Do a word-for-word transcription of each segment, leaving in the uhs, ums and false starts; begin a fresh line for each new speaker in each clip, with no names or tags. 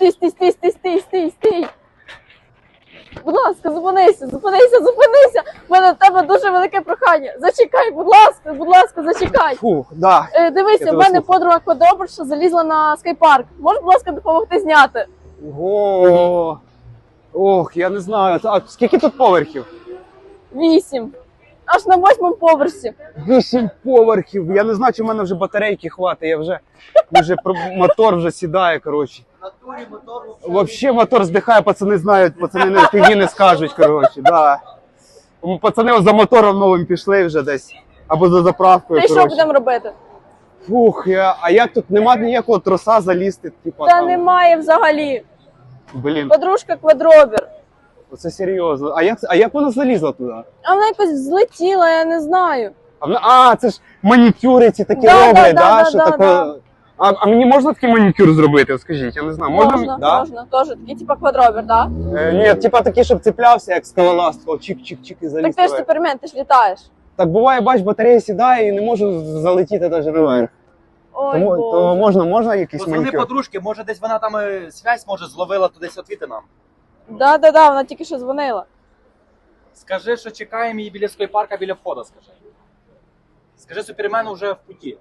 стій, стій, стій, стій, стій, стій, стій. Будь ласка, зупинися, зупинися, зупинися. У мене до тебе дуже велике прохання. Зачекай, будь ласка, будь ласка, зачекай.
Фух, да.
Е, дивися, в мене подруга квадроберша залізла на скайпарк. Можеш, будь ласка, допомогти зняти?
Ого. Ох, я не знаю. А скільки тут поверхів?
Вісім. Аж на восьмому поверсі.
Вісім поверхів. Я не знаю, чи в мене вже батарейки хватить. Я вже, вже про- мотор вже сідає, коротше. Вообще мотор здихає, пацани знають, пацани не фігі не скажуть, коротше, да. Пацани за мотором новим пішли вже десь. Або за заправкою,
Та й що
коротше.
будемо робити?
Фух, я, а як тут нема ніякого троса залізти, типа
Та
там.
немає взагалі.
Блін,
Подружка квадробер.
це серйозно. А як, а як вона залізла туди?
А вона якось злетіла, я не знаю.
А, вона, а це ж манікюри ці такі
Да,
роблять,
да,
да,
да,
що
да,
таке.
да.
А, а мені можна такий манікюр зробити? От скажіть, я не знаю. Можна?
Можна,
да?
можна. Теж такий, типа квадробер, так?
Е, ні, типа такий, щоб цеплявся, як скалолаз, такого чик-чик-чик і заліз.
Так ти ж
наверх.
супермен, ти ж літаєш.
Так буває, бач, батарея сідає і не можу залетіти навіть наверх.
Ой,
Тому
Боже.
то можна, можна якийсь
Позвони
манікюр?
подружки, може десь вона там е, связь може зловила, то десь отвіти нам.
Да, да, да, вона тільки що дзвонила.
Скажи, що чекаємо її біля скайпарка, біля входу, скажи. Скажи, супермену вже в путі.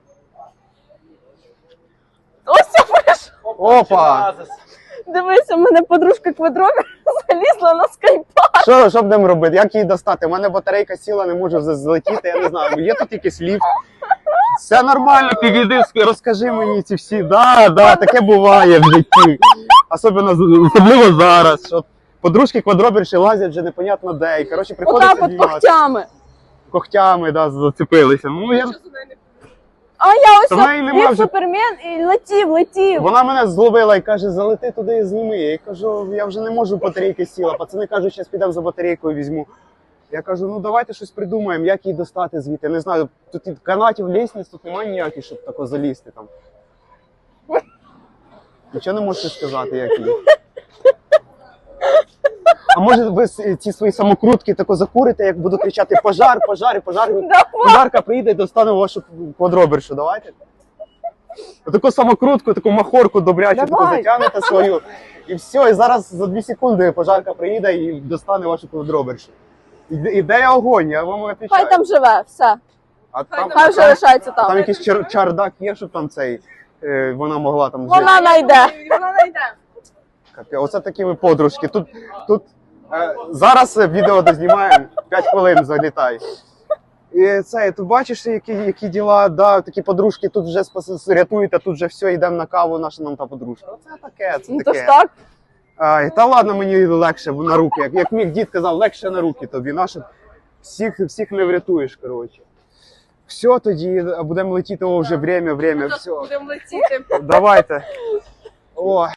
Ось це пиш.
Опа!
Дивися, в мене подружка квадробер залізла на скайпарк.
Що, що будемо робити? Як її достати? У мене батарейка сіла, не можу з- злетіти, я не знаю. Є тут якийсь ліфт? Все нормально, підійди, розкажи мені ці всі. Да, да, таке буває в житті. Особливо, особливо зараз. Що подружки квадроберші лазять вже непонятно де. І, коротше, приходиться
Отак от
знімати.
когтями.
Когтями, да, зацепилися. Ну, я...
А я ось
Та в неї нема
як
вже-
супермен і летів, летів.
Вона мене зловила і каже, залети туди і зніми. Я їй кажу, я вже не можу, батарейки сіла. Пацани кажуть, зараз підемо за батарейкою візьму. Я кажу, ну давайте щось придумаємо, як її достати звідти. Не знаю, тут і канатів, лісниць, тут немає ніяких, щоб тако залізти там. Нічого не можете сказати, як її. А може ви с- ці свої самокрутки тако закурите, як буду кричати пожар, пожар, і пожар.
Давай.
Пожарка прийде і достане вашу квадробершу, давайте. Таку самокрутку, таку махорку добрячу, таку
Давай.
затягнете свою. І все, і зараз за дві секунди пожарка приїде і достане вашу квадробершу. Іде, іде огонь, я вам
Хай
відповідаю.
там живе, все.
А там,
Хай вже лишається
там
там.
якийсь чар, чардак є, щоб там цей, е, вона могла там жити.
Вона найде. Вона найде.
Капі- Оце такі ви подружки. Тут, тут е, зараз відео дознімаємо, п'ять хвилин залітай. І це, ти бачиш, які, які діла, да, такі подружки тут вже спас, рятують, а тут вже все, йдемо на каву, наша нам та подружка. Оце таке, це
Ну то
таке.
ж так.
Ай, та ладно, мені легше на руки. Як, як мій дід казав, легше на руки тобі. Наше, всіх, всіх не врятуєш, коротше. Все тоді, будемо летіти, о, вже время, время, все.
Будемо летіти.
Давайте. О.